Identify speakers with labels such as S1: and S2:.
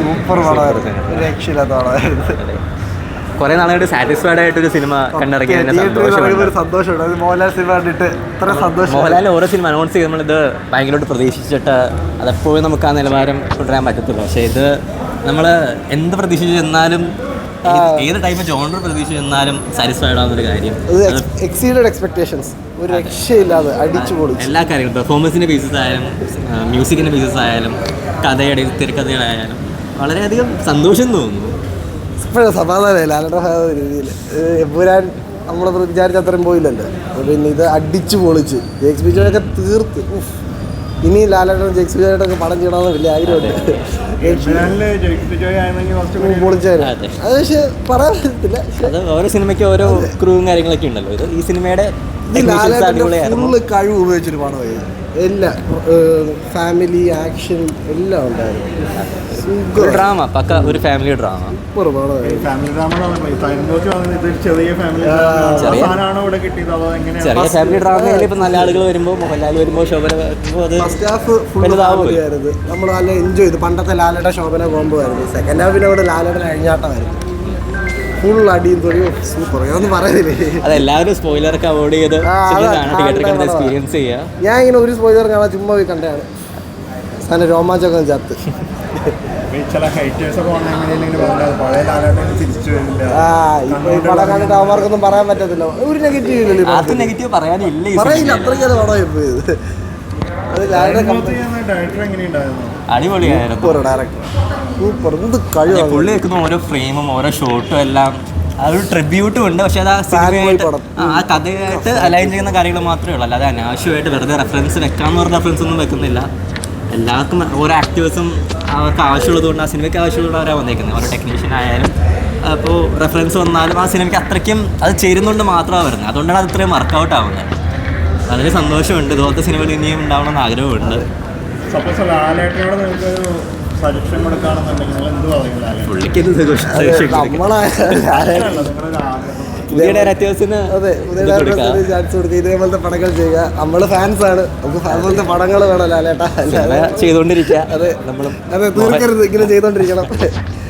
S1: Super പടമായിരുന്നു, ഒരു രക്ഷയില്ലാത്ത പടമായിരുന്നു.
S2: കുറെ നാളായിട്ട് സാറ്റിസ്ഫൈഡ് ആയിട്ടൊരു സിനിമ കണ്ടിറങ്ങിയ
S1: സന്തോഷമുണ്ട്. മോഹൻലാൽ സിനിമ കണ്ടിട്ട് ഇത്ര സന്തോഷം.
S2: മോഹൻലാൽ ഓരോ സിനിമ അനൗൺസ് ചെയ്ത് നമ്മളിത് ഭയങ്കരമായിട്ട് പ്രതീക്ഷിച്ചിട്ട് അതെപ്പോഴും നമുക്ക് ആ നിലവാരം കൊണ്ടുവരാൻ പറ്റത്തുള്ളൂ. പക്ഷേ ഇത് നമ്മൾ എന്ത് പ്രതീക്ഷിച്ച് ചെന്നാലും ഏത് ടൈപ്പ് ജോണർ പ്രതീക്ഷിച്ച് ചെന്നാലും സാറ്റിസ്ഫൈഡ് ആവുന്നൊരു കാര്യം.
S1: എക്സീഡഡ് എക്സ്പെക്ടേഷൻസ്, ഒരു രക്ഷയില്ലാതെ അടിച്ചു പൊളിച്ചു.
S2: എല്ലാ കാര്യങ്ങളും പെർഫോമൻസിൻ്റെ ബേസിസ് ആയാലും മ്യൂസിക്കിൻ്റെ ബേസിസ് ആയാലും കഥയുടെ തിരക്കഥകളായാലും വളരെയധികം സന്തോഷം തോന്നുന്നു.
S1: ഇപ്പോഴും സമാധാനമായി ലാലേട്ടൻ രീതിയിൽ. എമ്പുരാൻ നമ്മൾ വിചാരിച്ച അത്രയും പോയില്ലല്ലോ. പിന്നെ ഇത് അടിച്ചു പൊളിച്ച് ജെക്സ് ബിജോയൊക്കെ തീർത്ത്. ഇനി ലാലേട്ടൻ ജെക്സ് ബിജോയായിട്ടൊക്കെ പടം ചെയ്യണമെന്ന് വലിയ ആഗ്രഹമുണ്ട്. പൊളിച്ചായിരുന്നു അത്. പക്ഷെ പറയാൻ പറ്റത്തില്ല,
S2: അത് ഓരോ സിനിമയ്ക്ക് ഓരോ ക്രൂവും കാര്യങ്ങളൊക്കെ ഉണ്ടല്ലോ. ഇത് ഈ സിനിമയുടെ
S1: ഫുള്ള് കഴിവ് ഉപയോഗിച്ചൊരു പടമായിരുന്നു. എല്ലാം ഫാമിലി ആക്ഷൻ എല്ലാം ഉണ്ടായിരുന്നു.
S2: ഡ്രാമ പക്ക ഒരു ഫാമിലി ഡ്രാമ. ചെറിയ ഫാമിലി ഡ്രാമയിൽ ഇപ്പം നല്ല ആളുകൾ വരുമ്പോൾ മോഹൻലാൽ വരുമ്പോൾ ശോഭന വരുമ്പോൾ അത്
S1: നമ്മൾ നല്ല എൻജോയ് ചെയ്തു. പണ്ടത്തെ ലാലേട്ട ശോഭന കോംബോ ആയിരുന്നു. സെക്കൻഡ് ഹാഫിനോട് ലാലേട്ടൻ അഴിഞ്ഞാട്ടമായിരുന്നു. ഫുൾ അടിയും തൊഴിയും സൂപ്പർ. ഞാനൊന്നും പറയുന്നില്ലേ,
S2: അതെല്ലാവരും സ്പോയിലറൊക്കെ അവോയ്ഡ് ചെയ്ത് എക്സ്പീരിയൻസ് ചെയ്യുക.
S1: ഞാൻ ഇങ്ങനെ ഒരു സ്പോയിലർ കാണാൻ ചുമ്മാ പോയി കണ്ടാണ് സാധനം രോമാഞ്ചൊക്കെ ചത്ത്. പടം കണ്ടിട്ട് അവന്മാർക്കൊന്നും പറയാൻ പറ്റത്തില്ല. ഒരു നെഗറ്റീവ്
S2: നെഗറ്റീവ് പറയാനില്ല,
S1: പറയില്ല. അത്രയ്ക്ക് പടമായി പോയത്.
S2: അടിപൊളിയായിരുന്നു. പുള്ളി വെക്കുന്ന ഓരോ ഫ്രെയിമും ഓരോ ഷോട്ടും എല്ലാം അതൊരു ട്രിബ്യൂട്ടും ഉണ്ട്. പക്ഷെ അത് ആ സിനിമയായിട്ട് ആ കഥയായിട്ട് അലൈൻ ചെയ്യുന്ന കാര്യങ്ങൾ മാത്രമേ ഉള്ളൂ. അല്ലാതെ അനാവശ്യമായിട്ട് വെറുതെ റെഫറൻസ് വെക്കാമെന്ന് പറഞ്ഞ റെഫറൻസ് ഒന്നും വെക്കുന്നില്ല. എല്ലാവർക്കും ഓരോ ആക്ടേഴ്സും അവർക്ക് ആവശ്യമുള്ളത് കൊണ്ട് ആ സിനിമയ്ക്ക് ആവശ്യമുള്ള അവരാണ് വന്നേക്കുന്നത്. ഓരോ ടെക്നീഷ്യൻ ആയാലും അപ്പോൾ റെഫറൻസ് വന്നാലും ആ സിനിമയ്ക്ക് അത്രയ്ക്കും അത് ചേരുന്നുകൊണ്ട് മാത്രമാണ് വരുന്നത്. അതുകൊണ്ടാണ് അത് ഇത്രയും വർക്കൗട്ട് ആവുന്നത്. വളരെ സന്തോഷമുണ്ട്. ഇതുപോലത്തെ സിനിമകൾ ഇനിയും ഉണ്ടാവണമെന്ന് ആഗ്രഹമുണ്ട്.
S1: ഇതേപോലത്തെ പടങ്ങൾ ചെയ്യുക. നമ്മള് ഫാൻസാണ്, നമുക്ക് അതുപോലത്തെ പടങ്ങൾ വേണം ലാലേട്ടാ ചെയ്തോണ്ടിരിക്കുക. അതെ, നമ്മളും അതെ തീർക്കരുത്, ഇങ്ങനെ ചെയ്തോണ്ടിരിക്കണം.